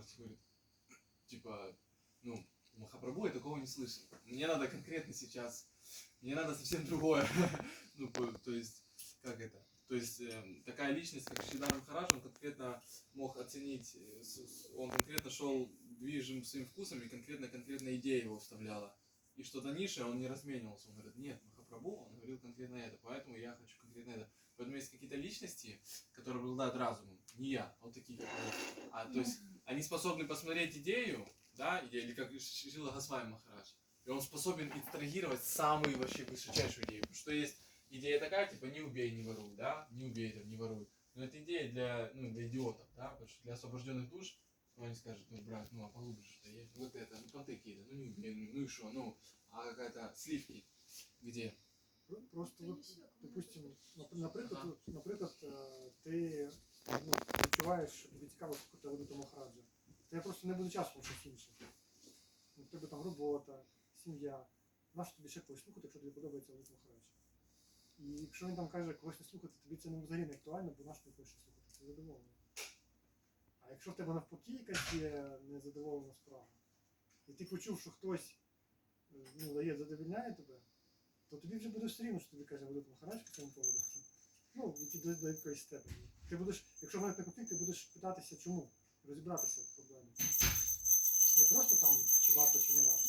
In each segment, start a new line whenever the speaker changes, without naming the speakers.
говорит, типа, ну, Махапрабху я такого не слышал. Мне надо конкретно сейчас, мне надо совсем другое. Ну, то есть, как это? То есть, такая личность, как Шридар Махарадж, он конкретно мог оценить, он конкретно шел движим своим вкусом, и конкретная идея его вставляла. И что-то ниже он не разменивался. Он говорит, нет, Махапрабху, он говорил конкретно это, поэтому я хочу конкретно это. Поэтому есть какие-то личности, которые обладают разумом, не я, а вот такие, как я. То есть, они способны посмотреть идею, да, или как Шрила Госвами Махарадж, и он способен абстрагировать самую вообще высочайшую идею. Потому что есть идея такая, типа, не убей, не воруй, да, не убей, там, не воруй. Но это идея для идиотов, да, потому что для освобожденных душ, ну, они скажут, ну, брат, ну, а поглубже что есть, вот это, ну, понты какие-то, ну, не убей, ну, и что, ну, а какая-то сливки, где?
Просто, от, допустим, наприклад, ти відчуваєш, що тобі цікаво слухати Авадута Махараджа. Я просто не буду часу щось інше. У тебе там робота, сім'я. Нащо тобі ще когось слухати, якщо тобі подобається Авадут Махарадж? І якщо він там каже, когось не слухати, тобі це взагалі не актуально, бо нащо тобі когось ще слухати, це задоволення. А якщо в тебе навпаки якась є незадоволена справа, і ти почув, що хтось задовільняє тебе, то тобі вже буде все рівно, що тобі каже Авадут Махарадж по цьому поводу. Ну, до якоїсь степені. Ти будеш, якщо виникне конфлікт, ти будеш питатися чому, розібратися в проблемі. Не просто там, чи варто, чи не варто.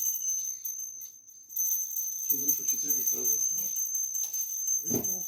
Чи виключити це відразу?
Висновок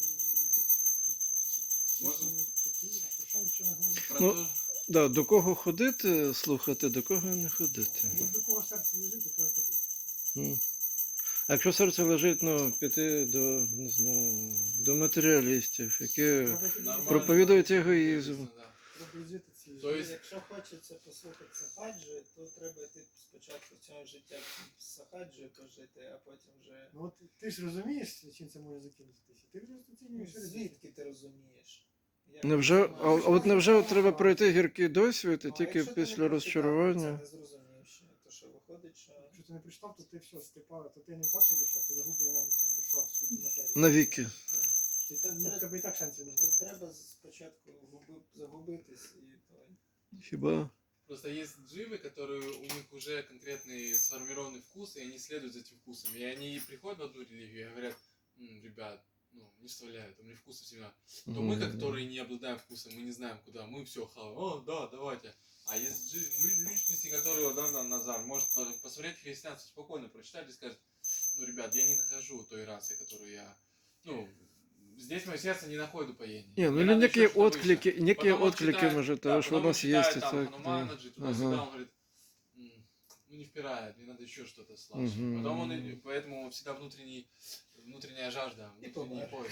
такий, а про що ми ще не говоримо?
Да, до кого ходити, слухати, до кого не ходити.
Ну, до кого серце лежить, до того ходити.
А якщо серце лежить, ну, піти до, не знаю, до матеріалістів, які проповідують егоїзм.
Треба жити ці.
Якщо хочеться послухати сахаджі, то треба йти спочатку цього життя з сахаджею пожити, а потім вже...
Ну от ти ж розумієш, чим це може закінчитися? Ти вже оцінюєш.
Звідки ти розумієш?
Невже треба пройти гіркий досвід і тільки
якщо ти
після
не
розчарування?
прочитав, це не зрозумів ще, то що виходить, що...
Якщо ти не прочитав, то ти все, степа, то ти не перша душа, ти загублена душа в світі матерії.
Навіки.
В тебе і так шансів немає.
То треба спочатку загубитись і той...
Хіба?
Просто есть дживы, которые у них уже конкретный сформированный вкус, и они следуют за этим вкусом. И они приходят в одну религию и говорят, ребят, ну, не вставляют, у меня вкуса всегда. То мы, которые не обладаем вкусом, мы не знаем куда, мы все хаваем, о, да, давайте. А есть личности, которые, да, Назар, может посмотреть христианство спокойно, прочитать и сказать, ну, ребят, я не нахожу той расы, которую я, ну, здесь мое сердце не находит упоения.
Не, ну или некие отклики, может, того, что у нас есть.
И так, туда-сюда, он говорит, ну не впирает, мне надо еще что-то слабше. Потом поэтому всегда внутренняя жажда, внутренний поиск.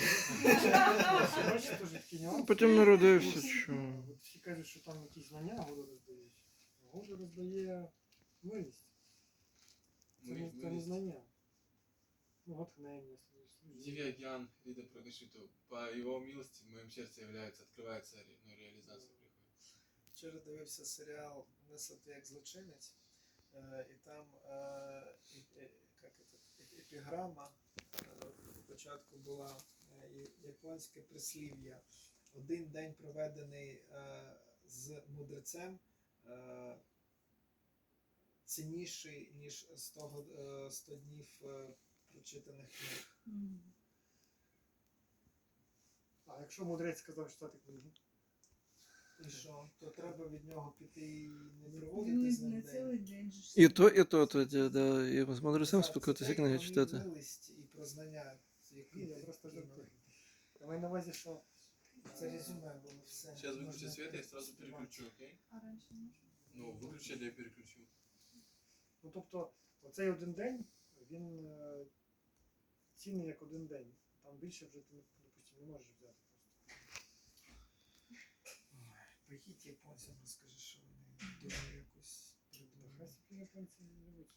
Потім народився, що...
Всі кажуть, що там якісь знання Гуру роздають. Гуру роздає милість. Це не знання. Ну, натхнення.
Дивья Гьян, Вида Прагашиту, по его милости в моем сердце открывается реализация приходит.
Вчора дивився серіал «Несати як злочинець», і там епіграма спочатку була японське прислів'я. Один день проведений з мудрецем цінніший, ніж 100 днів прочитаних книг.
А якщо мудрець сказав читати книги?
І що? То треба від нього піти і не проводити з ним день.
І то тоді, да, і з мудрецем спілкуватися, книги читати.
Це про милість і про знання, які
Я просто жартую. Я маю на увазі, що...
Це резюме було все.
Сейчас выключи свет, я сразу переключу, окей?
А раньше можно?
Ну, выключи, я переключу.
Ну, тобто, оцей один день, він цінний як один день. Там більше вже ти, допустимо, не можеш взяти просто.
Поїдь японцям, розкажи, що вони дуже якось придумали.
Хай японці не живуть.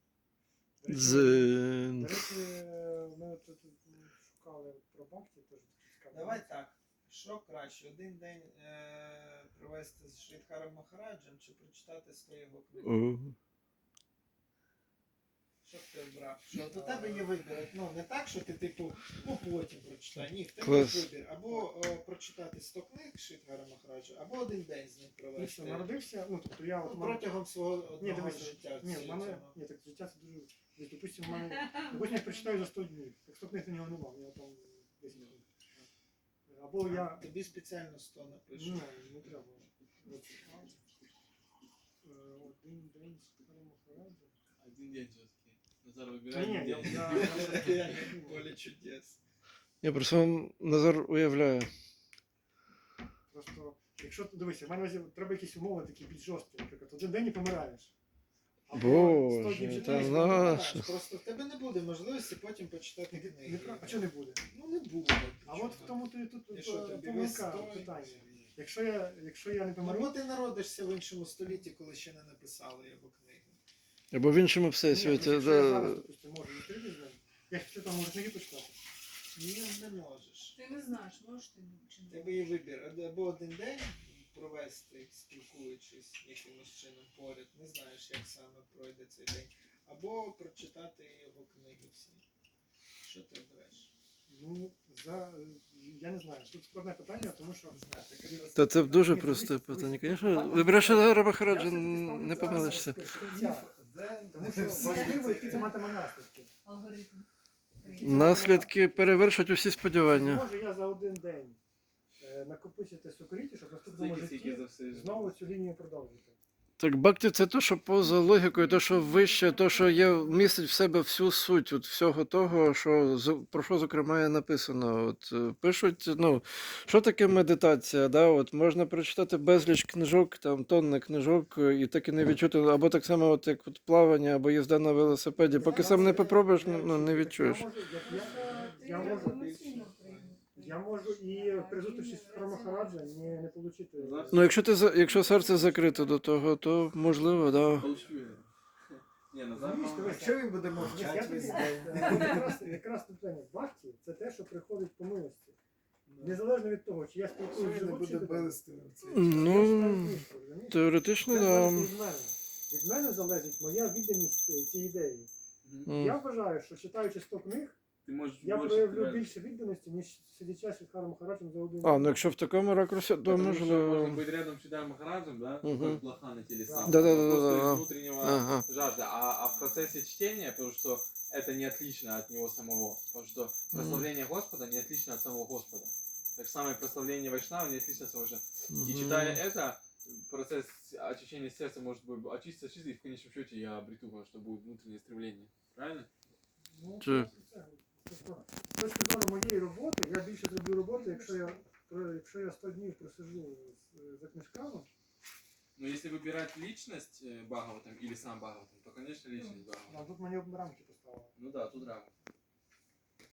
Дзен.
До речі, ми тут шукали про Бхакти, теж цікаво.
Давай так, що краще, один день провести з Шридхаром Махараджем чи прочитати 100 його книг? Що б ти обрав? Що от у тебе є вибір. Ну, не так, що ти, типу, ну потім прочитай. Ні, в тебе є
Клас.
вибір. Або прочитати 100 книг Шридхара Махараджа, або один день з ним
Дивіться,
провести.
народився, ну тобто я
Ну,
от
протягом свого
Ні,
одного
дивися,
життя.
ні, в мене, ні, так життя це дуже, десь, допустим, в мене, допустим, я прочитаю за 100 днів, так 100 книг на нього нема, у нього там 10 книг. Або я,
Тобі спеціально 100 напишу.
ні, не треба. От, один день з Шридхаром Махараджем.
Один день все-таки. Назар,
Ні,
выбирай
ні,
один
я,
день.
я,
Поле чудес.
Я просто Назар уявляю.
просто, якщо, дивися, в мене треба якісь умови такі більш жорсткі, наприклад, один день і помираєш.
Боже,
100 днів
та
читаєш,
на-
Знаєш, просто в тебе не буде можливості потім почитати книги.
а чого не буде?
Ну не буде.
А от в тому то і тут
І що, тобі весь
помилка
той?
питання. Якщо я не помру,
Або ти народишся в іншому столітті, коли ще не написали його книги.
Або в іншому
ні,
всесвіті.
якщо я
Да.
зараз, допустим, можу зустрітися з ним, я після того можу книги почитати.
Ні, не можеш.
Ти не знаєш, можеш ти чи
У
не.
тебе є вибір. Або один день провести, спілкуючись якимось чином поряд, не знаєш, як саме пройде цей день. Або прочитати його книги всі. Що ти обереш?
Ну, я не знаю, тут складне питання, тому що
Та це дуже просте питання. Звісно, вибираєш Назара Махараджа, не помилишся.
Тому що важливо, які це матиме наслідки.
Алгоритм.
Наслідки перевершать усі сподівання.
Може я за один день накопичити сукоріті, щоб в наступному
Скільки за
житті
все життя.
знову цю лінію продовжити.
Так, бхакти – це те, що поза логікою, те, що вище, те, що є, містить в себе всю суть от всього того, що, про що, зокрема, є написано. От, пишуть, ну, що таке медитація, да? От, можна прочитати безліч книжок, там, тонни книжок, і так і не відчути, або так само, от, як от, плавання, або їзда на велосипеді, поки сам не попробуєш, ну, не відчуєш.
Я можу і при зустрічі з Шридхаром Махараджа не отримати.
Ну, якщо серце закрите до того, то можливо, да.
Получу я. Не, Назар,
Розумієш,
по-моему,
дивись,
Якщо він буде
Я
мовчати
тобі-
весь день.
якраз питання бхакті – це те, що приходить по милості. Незалежно від того, чи я
Якщо
спілкуюся
він
з
не буде
вчителем,
милостивим в цей час.
я читаю
Ну,
книжку, розумієш?
теоретично,
Це
да.
залежить від мене. Від мене залежить моя відданість цій ідеї.
мгм.
Я вважаю, що читаючи 100 книг,
Ты можешь
я
больше
проявлю
терять.
більше відданості, ніж сидячи з Шридхаром Махараджем за один
А, ну якщо в такому ракурсі, то
Потому что можно
можливо.
быть рядом с Шридаром Махараджем, да,
Мгм.
как блоха на телесам.
Да-да-да-да-да.
Просто из внутреннего
Ага.
жажда. А в процессе чтения, потому что это не отлично от него самого. Потому что прославление Господа не отлично от самого Господа. Так же самое прославление Вайшнава не отлично от самого же. И читая это, процесс очищения сердца может быть очиститься, и в конечном счете я обрету, потому что будет внутреннее стремление. Правильно?
Ну,
Чи-
тобто, з точки зору моєї роботи, я більше зроблю роботи, якщо я 100 днів просиджу за книжками.
Но если выбирать личность Бхагаватам или сам Бхагаватам, то, конечно, личность
А
Бхагаватам.
тут мені рамки поставили.
Ну да, тут рамки.